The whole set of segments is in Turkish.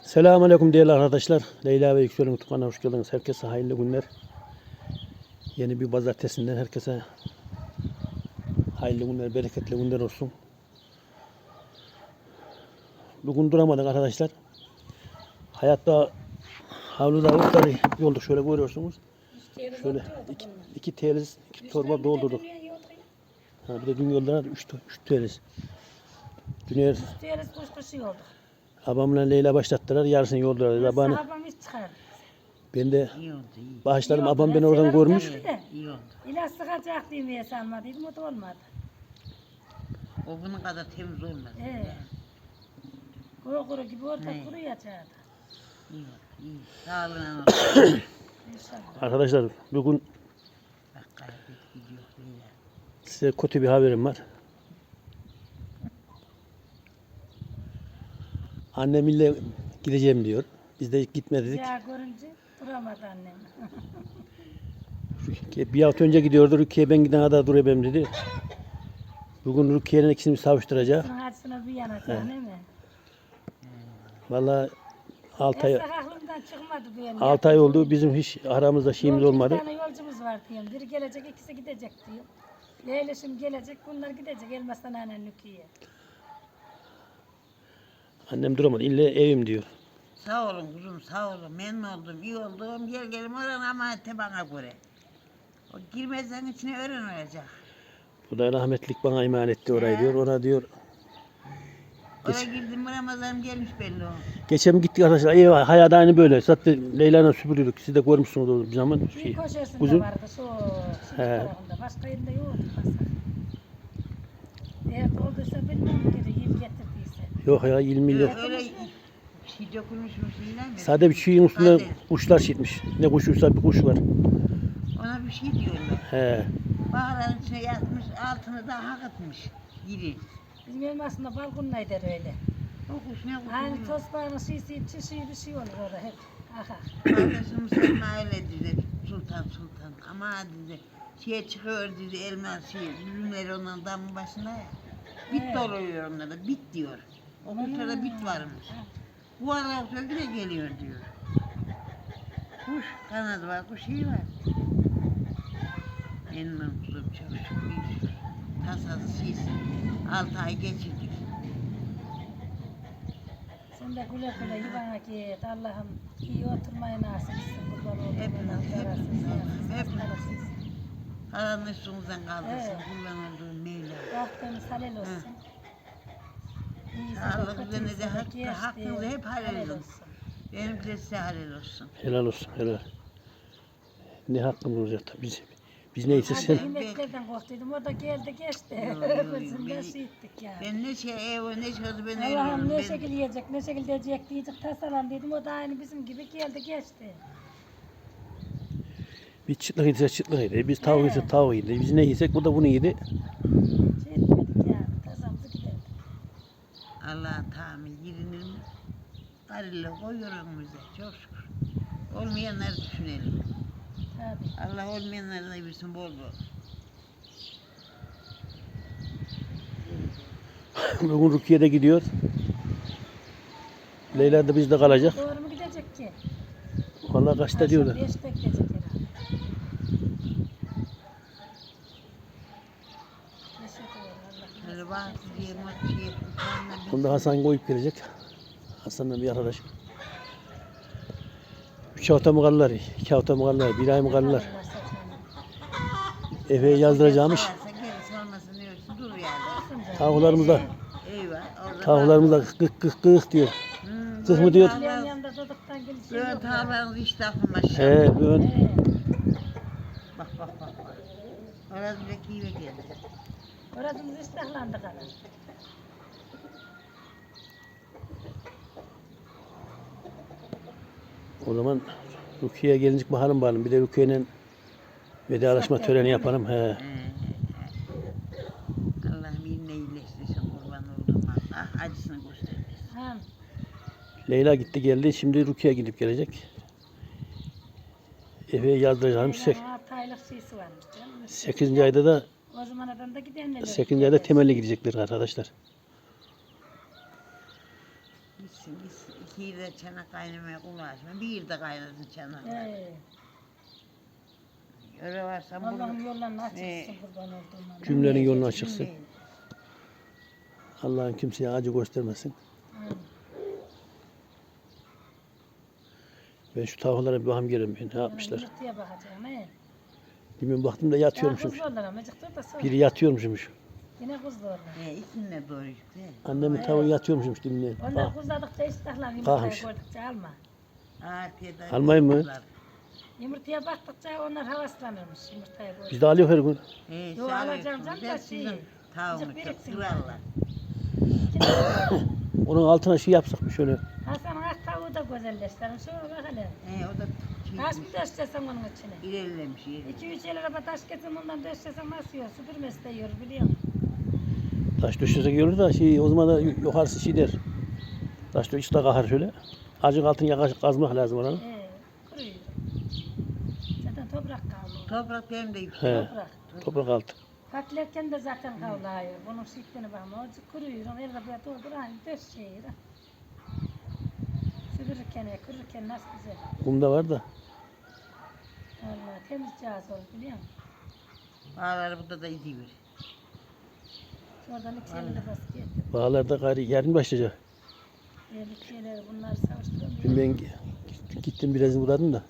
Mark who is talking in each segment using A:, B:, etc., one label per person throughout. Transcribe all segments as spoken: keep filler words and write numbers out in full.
A: Selamünaleyküm değerli arkadaşlar. Leyla ve Yüksel'in YouTube kanalına hoş geldiniz. Herkese hayırlı günler. Yeni bir pazartesinden herkese hayırlı günler, bereketli günler olsun. Bugün duramadık arkadaşlar. Hayatta havluda otları yolduk, şöyle görüyorsunuz. Şöyle iki, iki teliz, iki torba doldurduk. Ha, bir de dün yolda üç, üç teliz. Dün
B: Teliz kuş kuşu oldu.
A: abamla Leyla başlattılar, yarısını yoldular. Abamı,
B: Abam hiç çıkardı.
A: ben de
C: İyi oldu, iyi.
A: bağışlarım,
B: İyi oldu.
A: abam
B: Ben
A: beni oradan
B: severim
A: görmüş.
B: tabii de.
C: İyi oldu.
B: İlaç sıkacak diye sanmadıydım, o da olmadı.
C: O bunun kadar temiz olmaz.
B: He. Kuru kuru gibi orada
C: He.
B: kuruyacaktı.
C: İyi oldu, iyi. Sağlığına olsun.
B: İnşallah.
A: Arkadaşlar bugün
C: Bak kaybet gidiyor. Leyla.
A: size kötü bir haberim var. Annem ille gideceğim diyor. Biz de gitme dedik.
B: Ya görünce duramadı annem.
A: Bir hafta önce gidiyordu. Rukiye ben giden kadar durayım dedi. Bugün Rukiye'nin ikisini savuşturacak.
B: Bunun acısına bir yanacak değil mi?
A: Vallahi altı ay,
B: Eski aklımdan çıkmadı benim.
A: altı ay oldu. Bizim hiç aramızda şeyimiz
B: Yolcu
A: olmadı.
B: İki tane yolcumuz var diyorum. Biri gelecek, ikisi gidecek diyor. Leyleşim gelecek, bunlar gidecek. Elmas'tan annen Nükiye.
A: Annem duramadı. İlle evim diyor.
C: Sağ olun kuzum, sağ olun. Memnun oldum, iyi oldum. Gel gelim oran ama ete bana göre. O girmezden içine öğrenecek.
A: Bu da rahmetlik bana emanet etti orayı diyor. Ona diyor.
C: Oraya girdim mi Ramazan'ım gelmiş belli o.
A: Geçen gittik arkadaşlar. İyi hayat aynı böyle. Zaten Leyla'yla süpürüyorduk. Siz de görmüşsünüz o zaman.
B: Bir
A: Şey,
B: köşesinde
A: uzun.
B: vardı şu şu
A: He.
B: tarafında. Başka yerinde yoktu pazar. Eğer olduysa bilmem geri yiyip getirdiyse.
A: Yok ya yirmi
C: Öyle,
A: milyon.
C: öyle şey dokunmuşmuş ilan mi?
A: Sade bir şeyin üstüne
C: Sade.
A: kuşlar çitmiş. Ne kuşuysa bir kuş var.
C: Ona bir şey diyorlar.
A: He.
C: Bağların içine yatmış, altını da hak etmiş. Yiri.
B: Bizim elmasında balkonuna eder öyle.
C: O kuş ne kuş?
B: Hani tosbağının şişi, çişi bir şey olur orada hep. Aha.
C: Kardeşimiz Selma öyle dedi. Sultan sultan. Ama dedi. Şeye çıkıyor dedi elma şey. Üzümleri onların damın başında ya. Bit
B: Evet.
C: doluyor onlara. Bit diyor. O kuşlarda bit varmış. Bu ara söküle geliyor diyor. Kuş kanadı var, kuş iyi var. Benim kuzum çok şükür. Tasası şeysi. Altı ay geçirdik.
B: Sen de güle güle yuvana git. Allah'ım iyi oturmayı nasip etsin. Kurban olduğum
C: Hepimiz,
B: Allah
C: hepimiz,
B: yarasın.
C: hepimiz.
B: Hepimiz.
C: Karanlık üstümüzden kaldırsın.
B: Evet.
C: Kullan olduğun Mevla.
B: Baktığımız halel olsun. İyisi de
C: Sağlık
B: kötüyse
C: üzerine de
B: de
C: hakkı-
B: geçti.
C: hakkınızı hep halel olsun. Benim de size halel olsun.
A: Helal olsun helal. Ne hakkımız olacak tabii biz. Biz neyse sen.
B: Hadi yemeklerden korktuydum. O da geldi geçti.
C: Yok, yok,
B: Gözünden
C: beni-
B: şey ettik ya.
C: Ben ne şey ev ne şey oldu ben
B: Allah'ım
C: ölüyorum.
B: ne
C: Ben,
B: şekil yiyecek, ne şekil diyecek diyecek tasalan dedim. O da aynı bizim gibi geldi geçti.
A: Biz çıtlık yediysek çıtlık yedi. Biz tavuk
B: He.
A: yediysek tavuk yedi. Biz ne yesek bu da bunu yedi.
B: Şey etmedik yani. Tasamızı giderdik.
C: Allah'ın tahammül girinir mi? Karıyla koyuyor önümüze çok şükür. Olmayanları düşünelim.
B: Tabii.
C: Allah olmayanları da bilsin bol bol.
A: Bugün Rukiye'de gidiyor. Leyla da bizde kalacak.
B: Doğru mu gidecek ki?
A: Vallahi kaçta diyorlar.
B: Beşte gidecek herhalde. Beşte doğru, Allah
C: Böyle
B: nasip
C: bak
B: etsin
C: diye
B: inşallah.
C: mot şey etmiş.
A: Bunda Hasan koyup gelecek. Hasan'la bir arkadaş. Üç hafta mı kalırlar? İki hafta mı kalırlar? Bir ay mı kalırlar?
B: Allah saçmalama.
A: Efe'yi yazdıracağımış.
C: Gerisi olmasın ne ölsün dur yani.
A: Tavuklarımız da,
C: Eyvah. orada
A: tavuklarımız da kık kık kık diyor.
C: Hmm,
A: Kık mı diyor?
B: Yan yanında doduktan gelişi
C: Böyle
B: yok ya.
C: tavuklarınız işte aklıma şey.
A: He, böyle.
B: He.
C: Bak bak bak bak. Orası bile kive geldi.
B: Orasımız iştahlandı kadar.
A: O zaman Rukiye'ye gelince bakalım bakalım. Bir de Rukiye'yle vedalaşma töreni yapalım. He.
C: Ee, Allah'ım yine iyileştirsin kurban olduğum Allah. Acısını göstermesin.
B: Ha,
A: Leyla gitti geldi. Şimdi Rukiye gidip gelecek. Efe'yi yazdıracağım. Sek
B: Leylan'ın altı aylık şeysi varmış canım.
A: sekizinci ayda da
B: O zaman adam da gidenler.
A: sekizinci ayda temelli gidecekler arkadaşlar.
C: Gitsin Gitsin, gitsin. İki yerde çanak kaynamaya ulaşma. Bir yerde kaynasın çanaklar.
B: He.
C: Öyle varsa bunu...
B: Allah'ın yollarını
C: He.
B: açıksın kurban olduğum.
A: Cümlenin yolunu açıksın. Allah'ın kimseye acı göstermesin. Ben şu tavuklara bir bakım gelin. Ne yapmışlar?
B: Yumurtaya bakacağım he.
A: Bilmiyorum baktım da
B: Ya
A: yatıyormuşum.
B: kuzlarlar ama çıktı da sonra.
A: Biri yatıyormuşmuş.
B: Yine kuzlarlar.
C: He, ikisine doğru işte.
A: Annemin tavuğu yatıyormuşmuş dinle.
B: Onlar kuzladıkça iştahlar yumurtayı
A: Kalkmış.
B: gördükçe alma.
C: Afiyet olsun.
A: Almayayım mı?
B: Yumurtaya baktıkça onlar havaslanırmış yumurtayı gördükçe.
A: Biz de alıyor her gün.
C: He,
B: Yo,
C: sağ
B: alacağım
C: olsun.
B: canım
C: Ben
B: da
C: sizin
B: şey,
C: tavuğumu
B: azıcık
C: çok
B: biriksin.
C: kırarlar.
A: Onun altına şey yapsak bir şöyle.
B: Hasan'ın ak tavuğu da güzelleştirin. Şuna bak hele.
C: He, o da
B: Taş
C: çekmiş.
B: mı döşeceksin onun içine?
C: İlerlemiş, ilerlemiş.
B: İki üç el araba taş getir bundan döşeceksin nasıl yiyor? Süpürmesi de yiyor biliyor musun?
A: Taş düşürsek görür da şey o zaman da yukarısı şey der. Taş da içte kahar şöyle. Acık altını yakaş kazmak lazım oranın.
B: Ee, kuruyor. Zaten toprak kalıyor.
C: Toprak benim de yüksek.
A: He.
B: Toprak.
A: Toprak altı.
B: Patlarken de zaten kavlıyor. Bunun şiddetine bakma. O kuruyor. Onu el arabaya doldur. Aynı döşeyiyor. Süpürürken, kırırken nasıl güzel.
A: Kum da var da.
B: Vallahi temiz cihaz olur biliyor musun?
C: Bağları burada da idiyor.
B: Oradan iki elini basıp getir.
A: Bağlarda gayri yarın başlayacak.
B: Yerlik şeyleri bunları savuşturamıyor.
A: Dün ben gittim biraz uğradım da.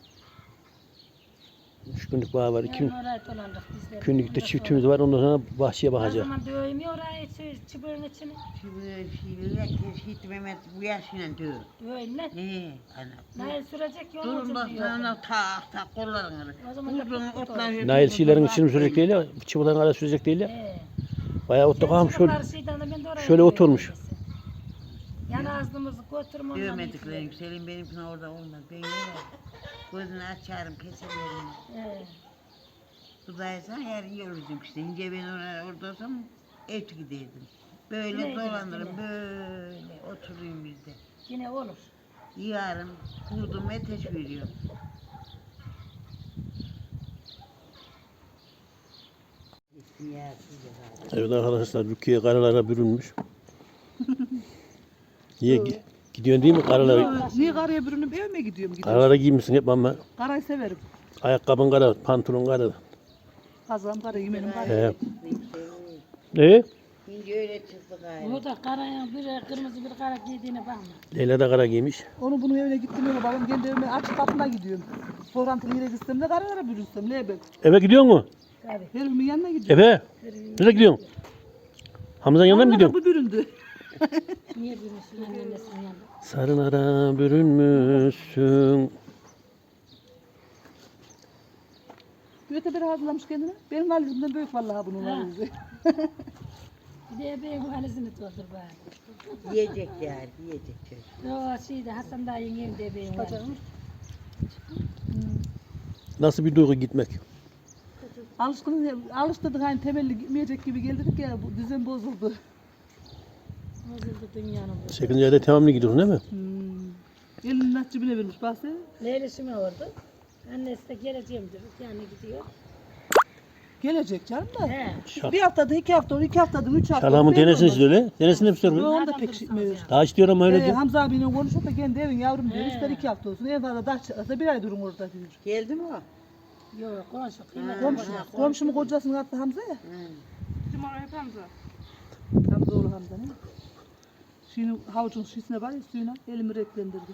A: Üç günlük bağ var. iki
B: Yarın orayı dolandık bizler.
A: günlük de
B: Ondan
A: çiftimiz
B: sonra-
A: var. Ondan sonra bahçeye
B: O
A: bakacağız.
B: zaman döveyim ya orayı çı- çıbığın içine.
C: Şimdi şeyler keşke Mehmet bu yaşıyla diyor.
B: Döveyim lan.
C: He, ana.
B: Nail sürecek yol
C: Durun
B: ucu
C: bak
B: diyor.
C: sana tak tak kollarını.
B: O zaman da
C: Uzun
B: tut- tut
C: otlar.
A: Nail şeylerin içini mi sürecek değil ya. Çıbıdan kadar sürecek değil ya.
B: Ee,
A: Bayağı otta kalmış şöyle.
B: çocuklar şeyden de ben de oraya
A: şöyle
B: döveyim
A: oturmuş.
B: desin. Yan ağzımızı götürüm ondan
C: Dövmedikleri
B: iyisi.
C: yükselin benimkine orada olmaz. Ben yine gözünü açarım keserim.
B: Ee,
C: Buradaysan yarın yürüdüm işte. İnce ben orada, orada olsam et giderdim. Böyle
B: Yine
C: dolanırım
B: gidin,
C: böyle oturayım bizde.
B: yine olur.
C: Yarın kurdum ateş veriyorum.
A: Evet arkadaşlar Rukiye karalara bürünmüş. Niye gi- gidiyorsun değil mi karalara?
D: Niye karaya bürünüp eve mi gidiyorum? Gidiyorum.
A: Karalara giymişsin hep ama
D: Karayı severim.
A: ayakkabın kara, pantolon kara.
D: Kazağım kara, yemenim kara.
A: He. Ne?
C: İnce öyle çıktı gayrı.
B: O da karaya bir kırmızı bir kara giydiğine bakma.
A: Leyla da kara giymiş.
D: Onu bunun evine gittim öyle babam kendi evime açık kapına gidiyorum. Sorantılı yere gitsem de karalara bürünsem ne ben.
A: Eve gidiyor mu?
B: Tabii.
D: Herimin yanına gidiyorum.
A: Eve? Nereye gidiyorsun? Hamza'nın yanına mı
D: Allah
A: gidiyorsun?
D: bu büründü.
B: Niye bürünsün annesinin yanında?
A: Sarılara bürünmüşsün.
D: Büyüte bir hazırlamış kendine. Benim valizimden büyük vallahi bunun
B: Ha.
D: valizi.
B: Bir de bebeğin valizini doldur bari.
C: Yiyecek yani yiyecek çocuk.
B: O şeyde Hasan dayının evinde bebeğin valizi.
A: Nasıl bir duygu gitmek?
D: Alışkın, alıştırdık hani temelli gitmeyecek gibi geldik ya bu düzen bozuldu.
B: Bozuldu dünyanın bu.
A: sekizinci ayda tamamını gidiyorsun değil mi?
D: Hmm. Elinin nakçibine vermiş bahse.
B: Leylişim oldu. Annesi de geleceğim diyor. Yani gidiyor.
D: Gelecek canım da.
B: He.
D: Bir haftada, iki haftada, iki haftada, üç haftada.
A: Şalamın
D: belli
A: denesini
D: olmaz.
A: istiyor öyle. Denesini mi istiyor?
D: Yok,
A: mu?
D: onu da
B: Nereden
D: pek
B: bulursanız
D: işitmiyor.
B: yani.
A: Daha istiyor ama öyle
D: Ee,
A: diyor.
D: Hamza abiyle konuşup da kendi evin yavrum diyor.
B: He.
D: İster iki hafta olsun. En fazla daha çıkarsa bir ay durun orada diyor.
C: Geldi mi o?
B: Yok komşu kıymet
D: Komşu,
B: komşu.
D: komşumun kocasını attı Hamza ya.
B: Kim oraya hep Hamza?
D: Hamza oğlu Hamza ne? Şimdi havucun şişine var ya suyuna elimi renklendirdi.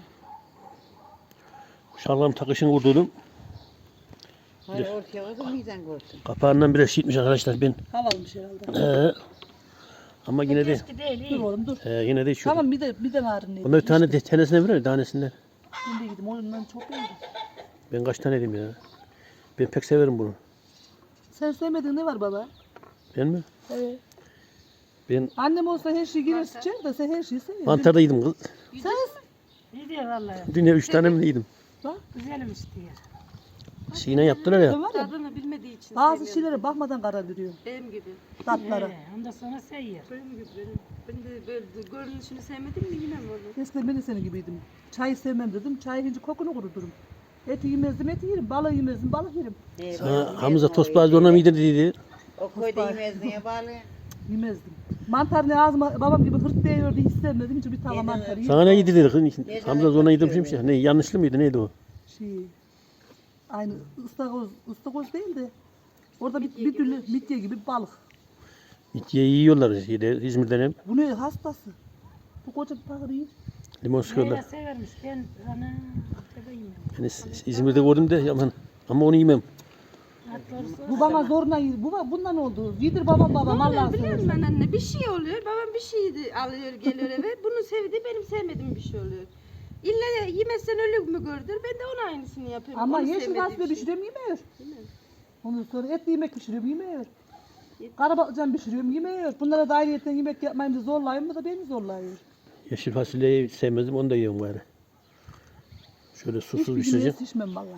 A: Şalgam takışını vurdurdum.
C: Hayır ortaya vardı mizan koysun.
A: Kapağından biraz şişmiş arkadaşlar ben.
D: Havalmış herhalde.
A: Ee, ama yine de
B: Eski değil
D: Dur
B: iyi.
D: oğlum dur.
A: e, yine de içiyorum.
D: Tamam bir de bir de narın neydi?
A: Bunda bir tane de tanesine verir tanesinden.
D: Şimdi gittim ondan çok iyiydi.
A: Ben kaç tane yedim ya. Ben pek severim bunu.
D: Sen sevmediğin ne var baba?
A: Ben mi?
D: Evet.
A: Ben
D: Annem olsa her şeyi girer sıçar da sen her şeyi seviyorsun.
A: mantar da yedim kız.
D: Sen
B: İyi diyor vallahi.
A: Dünya üç tane mi yedim?
D: bak.
B: Güzelmiş diyor.
A: Şeyine yaptılar ya.
D: Sen var ya
E: Tadını bilmediği için
D: bazı şeylere bakmadan karar veriyor.
E: benim gibi.
D: Tatlara.
B: He, ondan sonra seyiyor.
E: Benim gibi benim. Ben de böyle görünüşünü sevmedim mi yine mi onu?
D: Eskiden ben de senin gibiydim. Çayı sevmem dedim. Çay hinci kokunu kuruturum. Eti yemezdim, eti yerim. Balığı yemezdim, balık yerim.
C: Ee,
A: Sana Hamza tost bazı ona mı yedir dedi.
C: O koyda yemezdin ya bağlı.
D: Yemezdim. Mantar ne ağzıma babam gibi hırt değiyordu hiç sevmedim. Hiç bir tava mantar yiyeyim.
A: Sana ne yedirdik? Hamza zoruna yedirmişmiş ya. Ne yanlışlı mıydı neydi o?
D: Şey, aynı ıstakoz, ıstakoz değil de orada bir, bir türlü midye gibi bir balık.
A: İtye yiyorlar şeyde, İzmir'den hem.
D: Bu ne hastası? Bu koca bir tahır yiyor.
A: Limon sıkıyorlar.
B: Leyla severmiş. Ben ana bebeğim.
A: Ben İz- İzmir'de gördüm de aman. Ama onu yemem.
B: Ha, doğrusu.
D: Bu bana zorla yedi. Bu ba- bundan oldu. Yedir babam babam
E: Ne oluyor
D: Allah'ını
E: biliyor musun
D: seversen.
E: ben anne? Bir şey oluyor. Babam bir şey de alıyor geliyor eve. Bunu sevdi benim sevmediğim bir şey oluyor. İlla yemezsen ölür mü gördür? Ben de ona aynısını yapıyorum.
D: Ama
E: Onu
D: yeşil
E: sevmediğim
D: fasulye
E: şey.
D: pişiriyorum yemiyor.
E: Değil mi?
D: Ondan sonra etli yemek pişiriyorum yemiyor. Karabatlıcan pişiriyorum yemiyor. Bunlara da ayrıyetten yemek yapmayınca zorlayayım mı da beni zorlayıyor.
A: Yeşil fasulyeyi sevmezdim onu da yiyorum bari. Şöyle susuz
D: Hiçbir yemeğe
A: pişireceğim.
D: şişmem valla.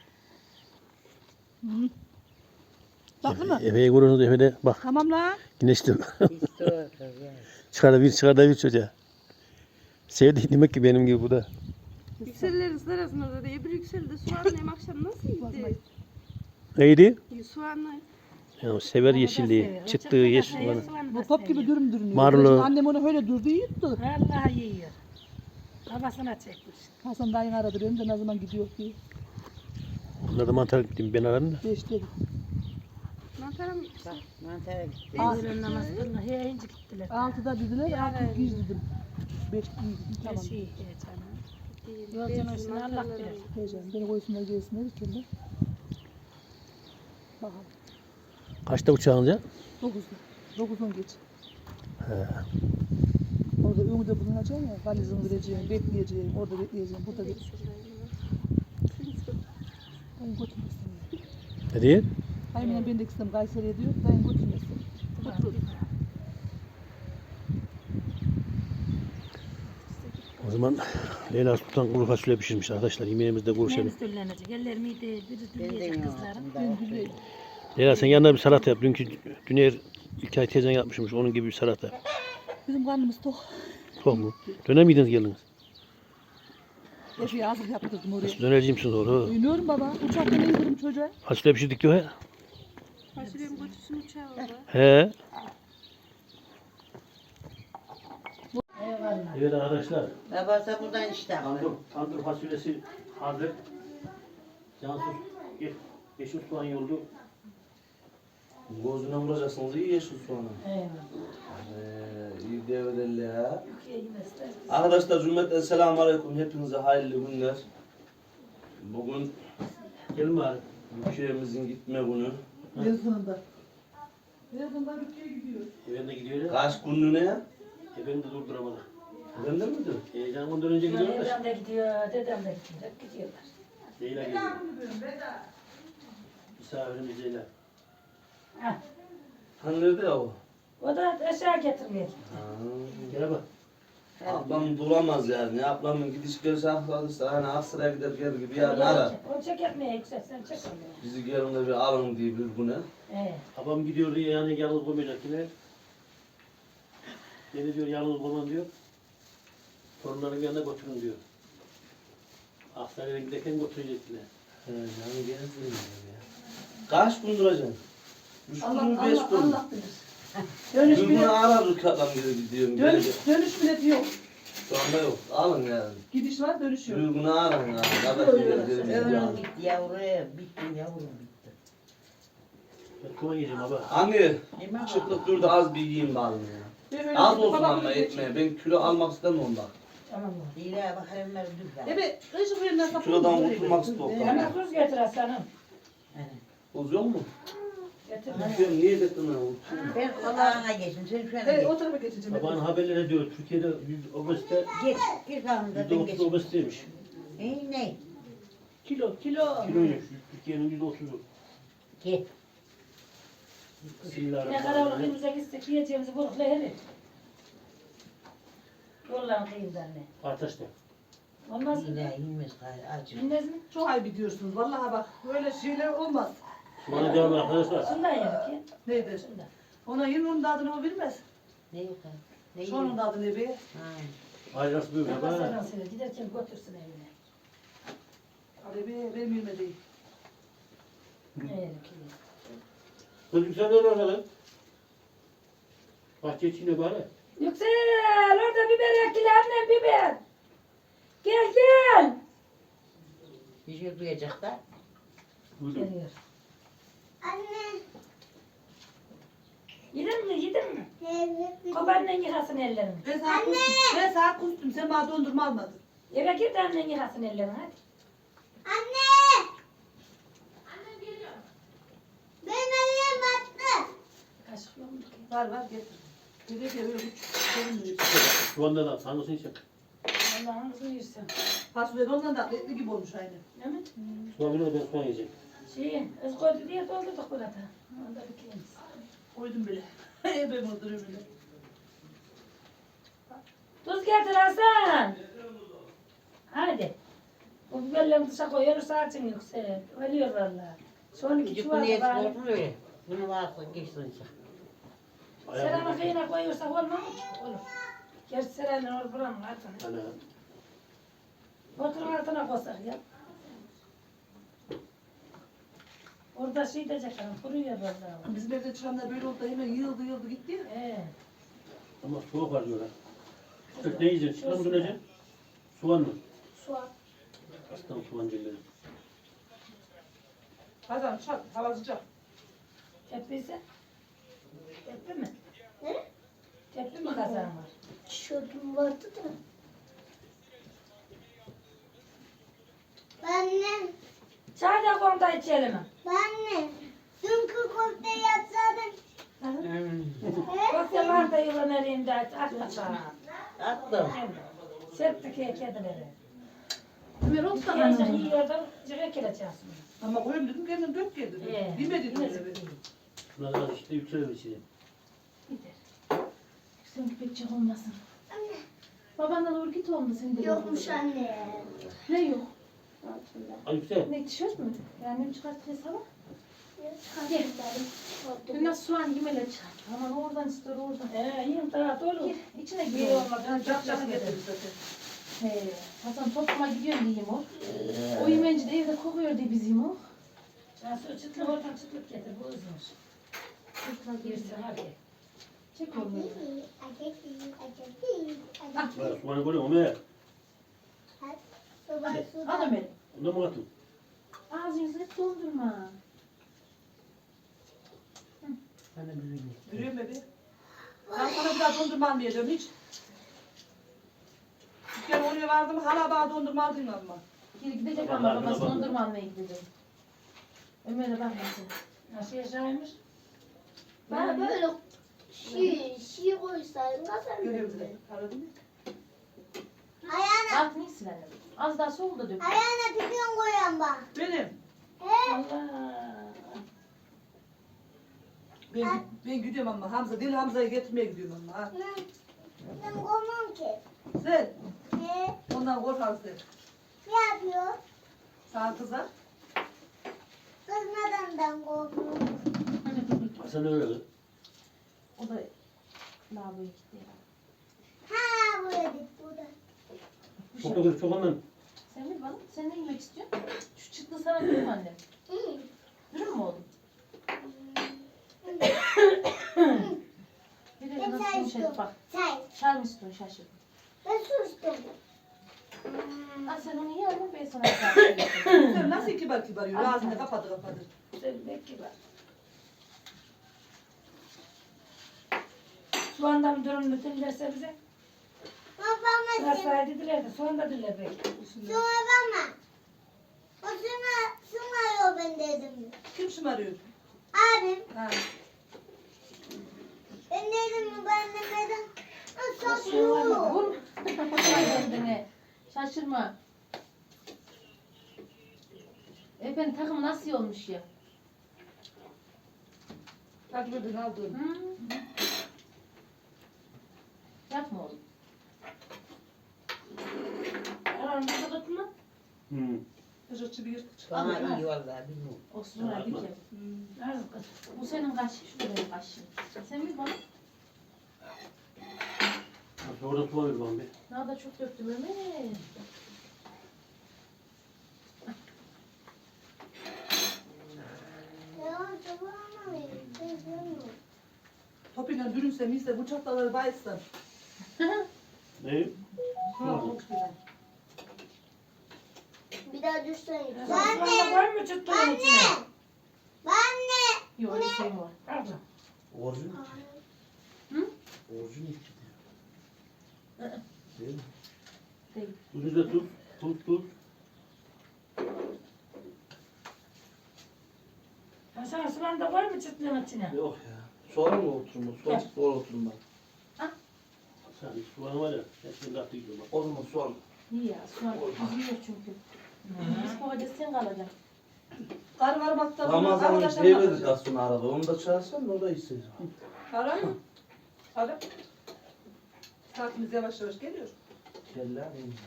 D: Hı. Tatlı mı?
A: Efe'ye görüyorsunuz Efe'de bak
D: Tamam la.
A: güneşli.
C: İstiyor kız ya.
A: çıkar da bir çıkar da bir çocuğa. Sevdi demek ki benim gibi bu da.
E: Yükseller ıslar arasında da diye bir yükselde soğanlayım akşam nasıl yedi?
A: Neydi?
E: Soğanla
A: Ya sever yeşilliği. Çıktığı yeşil bana.
D: Bu top gibi dürüm dürünüyor.
A: Marulu.
D: Annem onu öyle durdu yuttu.
B: Vallahi yiyor. Babasına çekmiş.
D: Hasan dayın aradı benim de ne zaman gidiyor ki.
A: Bunlar da mantar gittim ben aradım da.
D: Beş dedi.
E: mantarım
C: Bak mantara gitti.
B: Öğlen namaz kılına he ince gittiler.
D: Altıda dediler, altı giz dedim. Beş değil dedim,
B: Her
D: tamam.
B: şey heyecanı. Yolcunun üstüne Allah bilir.
D: Heyecan, beni koysunlar gelsinler içinde. Bakalım.
A: Kaçta uçağınca?
D: Dokuzda. Dokuzun geç. Orada önümde bulunacağım ya, valizimi vereceğim, bekleyeceğim, orada bekleyeceğim, burada bekleyeceğim. Dayın götürmesin ya.
A: Ne diye?
D: Aynen ben de gitsem Kayseri'ye diyor, dayın götürmesin. Götürür.
A: O zaman Leyla Sultan kuru fasulye pişirmiş arkadaşlar. Yemeğimizde görüşelim.
B: Neyimiz döllenecek. Eller miydi? Biri dürleyecek kızlarım.
D: Ben gülüyorum.
A: Leyla sen yanına bir salata yap. Dünkü Düner İlkay teyzen yapmışmış. Onun gibi bir salata.
D: Bizim karnımız tok.
A: Çok mu? Döner miydiniz geldiniz?
D: Eşeğe hazır yaptırdım oraya.
A: Nasıl dönerciyim misiniz doğru?
D: Duymuyorum baba, uçakta ne yedirim çocuğa?
A: Fasulye pişirdik diyor he.
E: fasulyem götürsün uçağa orada.
A: He. Evet arkadaşlar.
C: Babası buradan işte.
A: Tandır, tandır fasulyesi hazır. Cansız gel. Yeşil soğan yoldu.
F: Gözüne vuracaksınız iyi yeşil soğanı.
B: Eyvallah.
F: Ee, iyi devrelerle ya.
B: Türkiye yemezler.
F: Arkadaşlar cümleten selamun aleyküm. Hepinize hayırlı günler. Bugün
A: Gelin bari.
F: ülkemizin gitme günü.
D: Yazında. Yazında ülkeye gidiyor.
A: Ben de gidiyor ya.
F: Kaç günlüğüne?
A: E ben de durduramadım.
F: Bende mi diyor?
A: Heyecan ondan önce gidiyor da.
B: Dedem de gidiyor, dedem de gidiyor. Hep gidiyorlar.
A: Leyla geliyor. Misafirimiz Leyla.
B: Heh.
F: Hani nerede ya o?
B: O da aşağı getirmiyor.
F: Ha.
A: Gel bak.
F: Ablam duramaz yani. Ablamın gidiş geliş arkadaşlar. Hani Aksaray'a gider gelir gibi yani arar.
B: O çeketmeye yüksek, sen çekemiyor.
F: Bizi gelin de bir alın diye bir güne.
B: Ee,
A: Babam gidiyor diye yani yalnız koymayacak yine. Beni diyor yalnız koymam diyor. Torunların yanına götürün diyor. Aksaray'a giderken götürecekler.
F: He yani gezdim ya. Kaç gün duracaksın? Üç gün
D: Allah
F: mü beş
D: Allah
F: gün mü?
D: Allah bilir. Dönüş
F: Bir gün
D: bile,
F: aradık adam geri gidiyorum.
D: dönüş,
F: Dönüş.
D: dönüş bile yok.
F: Şu anda yok. Alın yani.
D: Gidiş var, dönüş yok.
F: Bir gün arın yani. Kardeş geri geri
C: Ömrüm
F: gidiyorum.
C: gitti yavruya. Bitti yavrum bitti.
A: Ben kuma yiyeceğim baba.
F: Anne
C: Hemen
F: çıtlık dur da az bir yiyeyim bari ya.
D: Ben öyle
F: Az
D: gittim,
F: olsun
D: babam
F: ama
D: öyle
F: etmeye. Ben kilo almak istemiyorum bak.
B: tamam mı?
C: Dile bak hemen dur lan.
D: Evet, kış buyurun
F: Şu kilodan kurtulmak istiyorum.
B: Hemen tuz getir aslanım.
F: Bozuyor mu?
B: Getir.
F: Ben niye getirdin onu?
C: Ben kulağına geçtim. Sen şu an
D: Evet,
C: geç.
D: o tarafa geçeceğim.
A: Babanın haberleri diyor Türkiye'de yüz obezite,
C: Geç. Bir kanında
A: yüzde
C: ben
A: otuz
C: geç.
A: obeziteymiş.
C: Ne ne?
D: Kilo, kilo.
A: Kiloymuş. Türkiye'nin yüzde otuzu.
C: Geç.
B: Ne kadar
A: Bismillahirrahmanirrahim.
B: kıyımıza gitsek yiyeceğimizi bulukla herir. Yollan kıyımdan ne?
A: Artaş'ta.
B: Olmaz mı?
C: Dile inmez gayrı acı.
B: Bilmez mi?
D: Çok ayıp ediyorsunuz. Vallahi bak, böyle şeyler olmaz.
A: Bana devam arkadaşlar.
B: Şundan yedik ya.
D: Nedir?
B: Şundan.
D: Ona yirmi onun da adını o bilmez.
C: Ne yok ha? Ne
D: Şunun
C: yok?
D: da adı ne be?
C: Ha.
A: Ayrısı büyük
B: Allah
A: baba.
B: sana söyle. Giderken götürsün evine.
D: Abi be, benim yirmi değil.
B: Evet.
A: Çocuk sen nerede lan? Bahçe içinde bari.
B: Yüksel orada biber ekili annem biber. Gel gel.
C: Bir şey duyacak da.
A: Duydum.
B: Geliyor. Anne. Yedin mi yedin mi? Evet. Babannen yıkasın ellerini.
D: Ben saat kustum. Ben saat kustum. Sen bana dondurma almadın.
B: Eve gir de annen yıkasın ellerini hadi.
G: Anne! Anne geliyor. Benim elim battı.
B: Kaşık yok mu?
D: Var var getir. Geliyor geliyor. Görünmüyor.
A: Şu anda da tanrısını çek.
B: Allah'ın kızını yersin.
D: Fasulye de ondan da etli gibi olmuş aynı.
B: Değil mi?
A: Soğan bile ben soğan yiyeceğim.
B: Şey, ız koydu diye doldurduk burada. Onda bitiririz.
D: Koydum bile. Ebem oturuyor bile.
B: Tuz getir Hasan. Hadi. Bu biberleri dışa koyuyoruz saçın yüksel. Ölüyor valla. Son iki
C: Çocuk
B: çuval
C: bunu
B: da
C: yesin
B: bari.
C: olsun öyle. Bunu varsın geçsin.
B: Seranı kıyına koyuyorsak olmaz mı? Olur. Gerçi seranı olur buranın altına.
A: Ana.
B: Motorun altına koysak ya. Orada şey diyecek hanım, kuruyor valla.
D: Bizim evde çıranlar böyle oldu da hemen yığıldı yığıldı gitti ya.
B: Ee,
A: Ama soğuk var diyorlar. İşte ne yiyeceksin? Çıkar mı döneceksin? Soğan mı?
B: soğan.
A: Aslan soğancıları.
D: Hazan çal. Hava sıcak.
B: Tepsi ise? Tepsi mi?
G: Ne?
B: Tepsi mi kazan var?
G: Şöpüm vardı da. Anne,
B: Çay da konuda içelim.
G: anne. Dünkü köfte yapsaydın.
B: Köfte var da yılan elinde at bakalım.
C: Attım.
B: Serptik ya kedileri.
E: Ömer oldu da
B: Gençler
E: hanım.
B: yiyordum, cıra kileceğiz.
D: Ama koyayım dedim kendin dök gel dedim.
B: Ee,
D: Bilmedi
B: yine
D: dedim.
A: Şuna da işte yükselir içine.
E: Sen pek olmasın. Babandan doğru git oldu senin de.
G: Yokmuş anne.
E: Ne yok?
A: Ay yüksel.
E: Ne tişört mü? Yani mi çıkarttı sabah?
G: Gel.
E: Dün nasıl soğan yemeler çıkarttı. Aman oradan istiyor oradan.
B: Ee, yiyeyim daha dolu.
E: Gir içine
B: Bir
E: gir.
B: olmadan
D: Ben
B: çok
D: capcanı
B: çok
D: getirdim
B: yedim.
D: zaten.
E: He, Hasan topluma gidiyorum diyeyim o. O yemenci de evde kokuyor diye bizim o.
B: Nasıl çıtlık oradan çıtlık getir, bu uzunmuş. Girsin hadi.
E: Çek onu.
A: Bak soğanı koyuyor mu? Ömer.
E: Al Ömer.
A: Ondan mı katın?
E: Ağzınızı hep doldurma.
D: Görüyor musun be? Ben sana bir daha dondurma almayacağım hiç. Bir kere oraya vardım hala bana dondurma aldın ama.
E: Geri gidecek
A: Tamam,
E: ama
A: ben
E: babası
A: buna
E: dondurma almaya gidecek. Ömer'e bakmasın.
B: Nasıl yaşaymış?
G: Bana böyle şiir, şiir koysaydın
D: Görüyor musun?
G: kazanırdın.
D: Anladın mı?
G: Ayağına,
E: Altını silelim. Az daha soğuk da dök.
G: ayağına pipiyon koyan bak.
D: Benim.
G: He?
B: Allah.
D: Ben, ben gidiyorum ama Hamza. Deli Hamza'yı getirmeye gidiyorum ama. Ha.
G: Ben, ben korkmam ki.
D: Sen
G: He?
D: ondan kork Hamza.
G: Ne yapıyor?
D: Sana kızar.
G: Kızmadan ben korkuyorum.
A: Sen öyle kız.
E: O da lavaboya gitti ya.
G: Ha buraya git burada.
A: Çok da kız çok ondan.
E: Sen bir bana, sen ne yemek istiyorsun? Şu çıktı sana dürüm annem.
G: Hı.
E: Dürüm mü oğlum? Bir de
G: Ben
E: nasıl
G: çay
E: yumuşadı
G: istiyorum.
E: bak.
G: Çay.
E: Çay mı istiyorsun şaşırdım.
G: Ben su istiyorum.
E: Ha sen onu ye ama ben sana bir yapayım.
D: Sen nasıl kibar kibar yürü. Ağzını kapadı kapadı.
B: Sevmek gibi. Soğandan durum bütün derse bize.
G: Babama sen.
B: Nasıl dediler de soğan da dediler belki.
G: Şuna bakma. O şuna, şuna yok ben dedim.
D: Kim şımarıyor?
G: Abim.
D: Ha.
G: Ben dedim mi ben demedim. O
B: Soğan
G: satıyor.
B: var.
E: Vur. Kendine. Şaşırma. Efendim takım nasıl olmuş ya?
D: Hadi buradan aldın.
E: Hı? Yapma oğlum.
B: Aramızda tutma.
A: Hı.
D: Kıcırtçı bir yırtık çıktı.
C: Bana iyi vallahi bilmiyorum.
E: Olsun hadi ki.
B: Az kız.
E: Bu senin kaşın, şu da benim kaşım. Sen bir bana.
A: Orada su var bana bir.
E: Ne da çok döktüm Ömer.
G: Ya sabah ama ben sevmiyorum.
D: Topuyla Suyla bürünsem iyiyse bu çataları bayılsam.
A: Ne?
D: Ha, çok güzel.
G: Bir daha düşsen.
B: Sen soğan da koy mu çıttığın içine?
G: Anne.
D: Yok öyle şey var.
B: Abla.
F: Orijin.
B: Hı?
F: Orijin gitti. Değil mi?
B: Değil.
A: Tuz da tuz. Tuz tuz.
B: Hasan soğan da koy mu çıttığın içine?
F: Yok ya. Sonra mı oturma? Soğan
B: Gel.
F: sonra oturma.
A: Sen soğan var ya. Hepsini katı gidiyor bak.
F: O zaman soğan.
H: İyi ya, şu an üzülüyor çünkü. Biz bu hoca sen kalacaksın.
D: Kar var baktığında
F: Ramazan'ın
D: arkadaşlar
F: şey
D: var.
F: verdik aslında arada. Onu da çağırsan da o da istedim.
D: Ara mı? Ara. Saatimiz yavaş yavaş geliyor.
F: Kelle.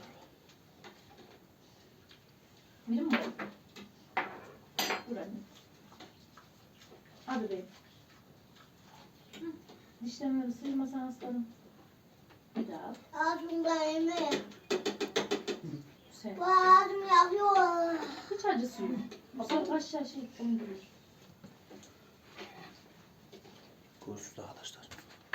H: Bilim mi? Dur anne. Hadi beyim. Hı. Dişlerimi sıyırmasan aslanım. Bir daha.
G: Ağzımda yemeğe.
H: Sen.
G: Bu ağzım yakıyor.
H: Hiç acısı yok. Bak aşağı şey döndürür.
A: Görüşürüz arkadaşlar.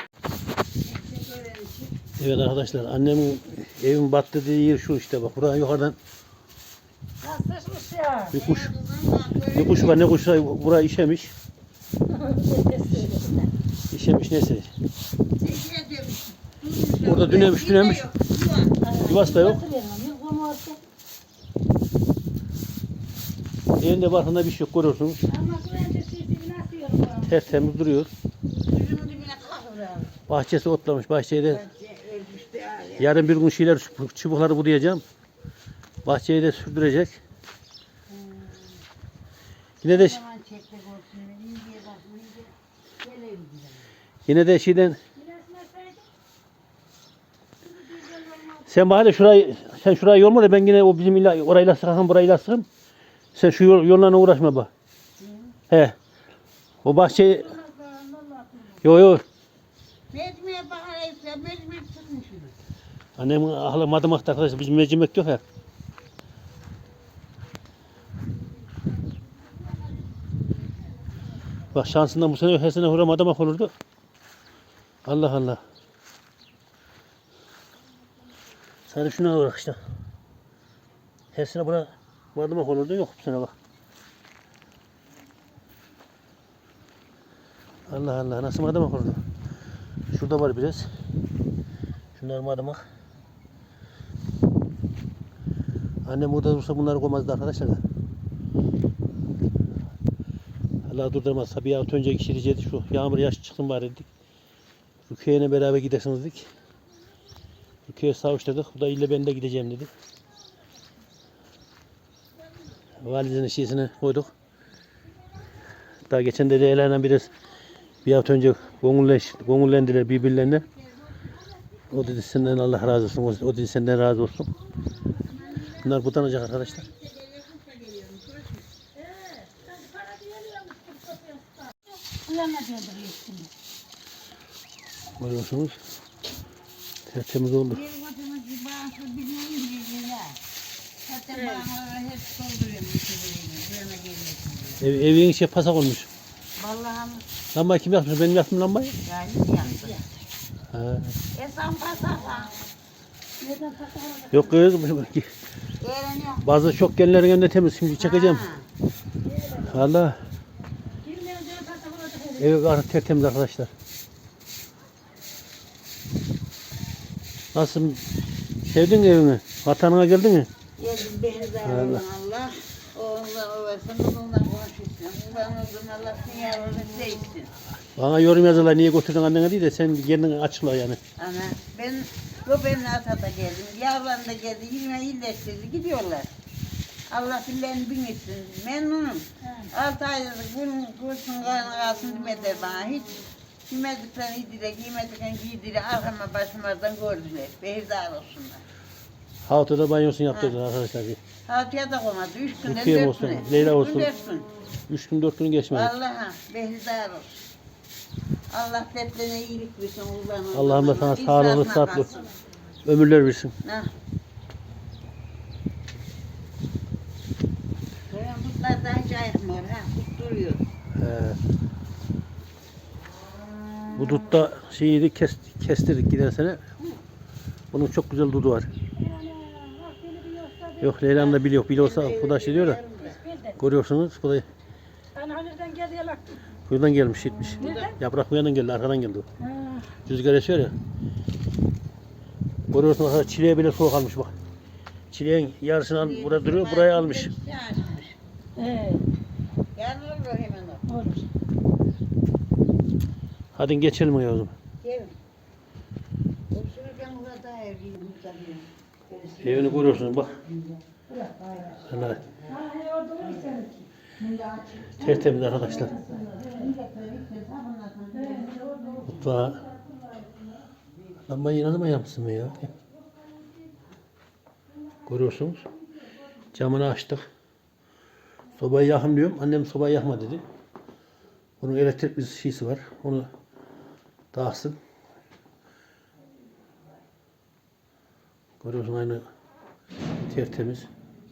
A: Evet arkadaşlar, annemin evin battı dediği yer şu işte bak. Buradan yukarıdan
B: Nasılmış ya?
A: bir kuş, bir kuş var, ne kuşsa buraya işemiş. İşemiş neyse. Orada dünemiş dünemiş. Yuvası da yok. Elinde barkında bir şey yok, görüyorsunuz.
B: Ama bu endüstrisi nasıl yiyorum?
A: Tertemiz duruyor. Bahçesi otlamış. Bahçeyi de yarın bir gün şeyler çubukları budayacağım. Bahçeyi de sürdürecek. Yine de yine de şeyden sen bari şurayı sen şurayı yolma da ben yine o bizim illa orayla sıkakım burayla sıkım. Sen şu yol, yollarına uğraşma bak. He. O bahçeyi yo yo.
C: Mecmiye bakaraysa mecmur tutmuş onu.
A: Annemin ahlı madımakta arkadaşlar bizim mercimek yok ya. Bak şansından bu sene her sene hura madımak olurdu. Allah Allah. Sadece şuna bırak işte. Her sene bura madımak olurdu, yok bu sene bak. Allah Allah, nasıl madımak olurdu. Şurada var biraz. Şunlar madımak. Annem burada dursa bunları koymazdı arkadaşlar da. Allah durdurmaz. Tabii ya önce kişileyecekti şu yağmur yaş çıksın bari dedik. Rukiye'yle beraber gidersiniz dedik. Rukiye'ye savuşturduk. Bu da ille ben de gideceğim dedi. Valizinin şişesini koyduk. Daha geçen de Leyla'yla biraz bir hafta önce gönülleş, gönüllendiler birbirlerine. O dedi senden Allah razı olsun. O, o dedi senden razı olsun. Bunlar budanacak arkadaşlar. Görüyorsunuz. Tertemiz oldu.
C: Bir vatandaş bir bağımsız bilmeyin diye ya. Zaten bağımları hep dolduruyorum. Buraya gelmesin diye.
A: Ev, evin şey pasak olmuş.
C: Vallahi
A: Lambayı kim yakmış? Benim yaktım lambayı.
C: yani yandı.
A: Ha.
C: Esan pasakla.
A: Yok kız.
C: Öğreniyor.
A: Bazı çok gelinlerin önünde temiz. Şimdi çekeceğim. Allah. Ev artık tertemiz arkadaşlar. Nasıl? Sevdin mi evini? Vatanına geldin mi?
C: Geldim beni de Allah. Allah. Oğlunla ovasın, onunla konuşursun. Ulan oğlum Allah seni yavrum sevsin.
A: Bana yorum yazıyorlar niye götürdün annene diye de sen kendini açıkla yani.
C: Ana ben o ben Atat'a geldim. Yavrum da geldi. Yirmi iyileştirdi. Gidiyorlar. Allah billerini bin etsin. Memnunum. Altı aydır bunun kursun karnı kalsın demediler bana. Hiç giymediklerini giydiler, giymediklerini giydiler. Arkama başımadan gördüler. Behirdar olsunlar.
A: Haftada banyosunu yaptırdılar arkadaşlar. Bir.
C: Hatıya da koymadı. Üç günden
A: Rukiye
C: dört
A: olsun,
C: güne.
A: Leyla
C: Üç gün,
A: olsun.
C: dört gün.
A: Üç gün dört gün geçmedi.
C: Vallahi behirdar olsun. Allah heplerine iyilik versin. Allah'ım.
A: Allah'ım da sana sağlıklı,
C: İnsafına
A: tatlı
C: kalsın.
A: ömürler versin.
C: Ha. Böyle Kutlar da hiç ayıkmıyor ha. Kut duruyor.
A: He. Bu Bu dutta şeyi kes, kestirdik giden sene. Bunun çok güzel dudu var. Yok Leyla'nın da biliyor. Biliyorsa bu da şey diyor da. Görüyorsunuz bu da
B: Ana nereden geldi yalak?
A: buradan gelmiş gitmiş. Yaprak bu yandan geldi, arkadan geldi. o. Rüzgar esiyor ya. Görüyorsunuz arkadaşlar çileğe bile soğuk almış bak. Çileğin yarısını al, burada duruyor, buraya almış.
B: He.
C: Yarın olur hemen o.
B: Olur.
A: Hadi geçelim ya o zaman.
C: Gelin. Otururken burada evliyim.
A: Evini görüyorsunuz bak. Ana,
B: Ha he orada olur seninki.
A: tertemiz arkadaşlar. Mutfağı. Lambayı ne zaman yapmışsın be ya? Görüyorsunuz. Camını açtık. Sobayı yakın diyorum. Annem sobayı yakma dedi. Bunun elektrik bir şeysi var. Onu dağıtsın. Görüyorsun aynı tertemiz.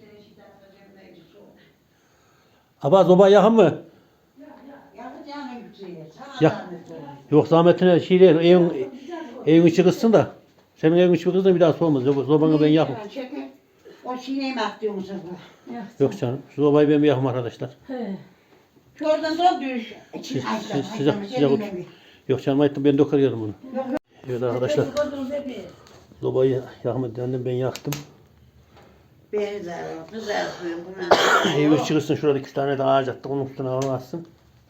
A: Aba sobayı yakın mı?
C: Yakacağını yükseliyor. Sana
A: Yak.
C: zahmet olur.
A: Yok zahmetine şey değil. Evin, evin içi kızsın da. Senin evin içi kızsın bir daha soğumaz. Sobanı ben yakım.
C: Çekin. O çiğneyi mi atıyorsun bu?
A: Yok canım. Şu sobayı ben bir yakım arkadaşlar.
B: He.
C: Şuradan da düş.
A: Siz- siz- Sıcak sıcak otur. Yok canım ayıttım ben dokar yarım bunu. Evet arkadaşlar.
B: Gördünüz hep.
A: Sobayı yakmadı. Annem ben yaktım.
C: Beni de kızartıyorum.
A: Evin içi kızsın. Şurada iki tane de ağaç attık. Onun üstüne hava atsın.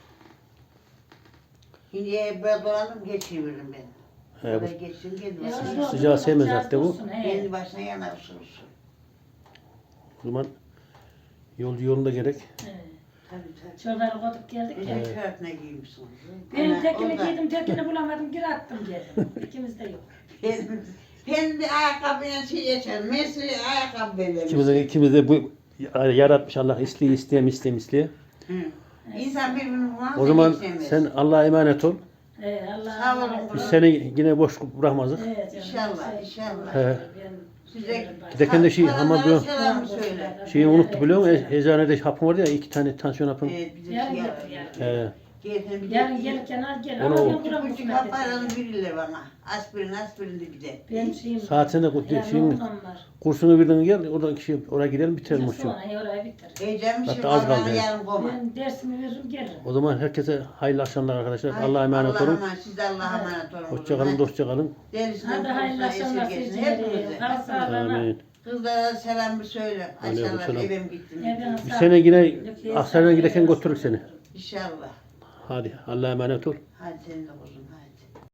C: Şimdi ben dolandım geçiriyorum ben.
A: He, bu
C: Buraya geçsin kendi
B: Ya,
C: başına.
B: yok,
A: sıcağı
B: yok,
A: sevmez
B: sıcağı
A: zaten bu.
B: olsun, he.
C: Kendi başına yanar usulsün.
A: O zaman yol yolunda gerek.
B: He.
C: Tabii tabii.
B: Çorları koyduk geldik ya.
C: Özel kağıtına giymişsin.
B: Benim
C: Ana,
B: tekini
C: o da-
B: giydim, tekini bulamadım, geri attım geldim. İkimiz de yok.
C: Ben, ben bir ayakkabıyla şey yaşarım. Mesleği ayakkabı belirmiş.
A: İkimiz de, ikimiz de bu yaratmış Allah isteye isteye isteye isteye.
C: Hı. İnsan birbirini bulamaz.
A: O zaman sen Allah'a emanet ol.
B: He, Allah
C: Sağ olun.
B: Allah.
A: Biz seni yine boş bırakmazdık.
B: Evet, canım,
C: İnşallah,
B: şey,
C: inşallah.
A: He.
B: ben-
C: Size
A: Giderken de şey ama bu
C: selamı söyle.
A: şeyi unuttu biliyor musun? E- Eczanede hapım vardı ya iki tane tansiyon hapım.
C: Evet, bize
B: Yarın
C: şey
B: getir
C: yapın.
B: yarın.
A: He.
C: Gelin bir
B: Yarın
C: de-
B: gelirken al gel.
A: Onu-
B: Ama ben
C: İki
B: buram
C: buçuk
B: kısmet
C: hap aranı
B: edeceğim.
C: verirler bana. Aspirin, aspirin de bir de.
B: Benim şeyim.
A: Saatinde kut-
B: Yani
A: şeyin-
B: ondan var.
A: Kursunu birden gel oradan kişi oraya gidelim biterim
B: Ondan
A: uçuyor.
B: sonra he, orayı bitir.
C: Heyecan bir şey
A: Hatta az kaldı
C: var
A: yani.
C: yarın koma.
B: Ben dersimi veririm gelirim.
A: O zaman herkese hayırlı akşamlar arkadaşlar.
C: Hayır,
A: Allah'a emanet
C: Allah'a
A: olun.
C: emanet, siz de Allah'a emanet olun.
A: Hoşça kalın, dostça kalın.
C: Derisinden
B: Hadi hayırlı
C: kurtulsun,
B: akşamlar
C: esirgesin
B: seyircileri.
C: hepimize.
B: Kal sağlığına.
A: Amin.
C: Kızlara selam bir söyle.
A: Aleyküm
C: Aşağılar
A: selam.
C: evim gittim.
B: Evden
A: Bir
B: sağ-
A: sene yine
B: Yok,
A: Aksaray'a
B: yok,
A: giderken
B: yok.
A: götürürük seni.
C: İnşallah.
A: Hadi Allah'a emanet ol.
C: Hadi senin de kuzum hadi.